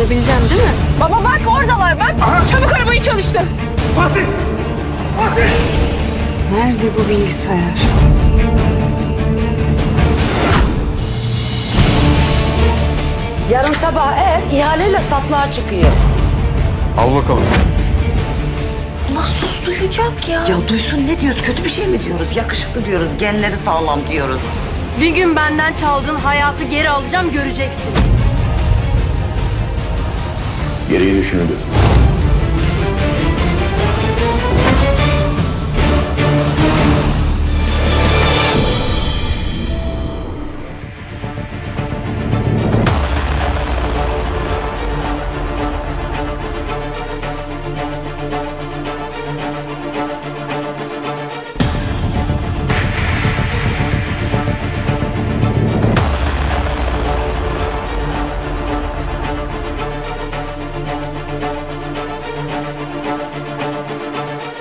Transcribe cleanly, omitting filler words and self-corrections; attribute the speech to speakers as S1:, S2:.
S1: bulabileceksin değil mi? Baba bak oradalar bak.
S2: Aha.
S1: Çabuk arabayı çalıştır.
S2: Fatih! Fatih!
S1: Nerede bu bilgisayar?
S3: Yarın sabah ev ihaleyle satlığa çıkıyor.
S2: Al bakalım.
S1: Mahsus duyacak ya.
S3: Ya duysun ne diyoruz? Kötü bir şey mi diyoruz? Yakışıklı diyoruz, genleri sağlam diyoruz.
S1: Bir gün benden çaldığın hayatı geri alacağım göreceksin.
S2: Gereği düşünülür.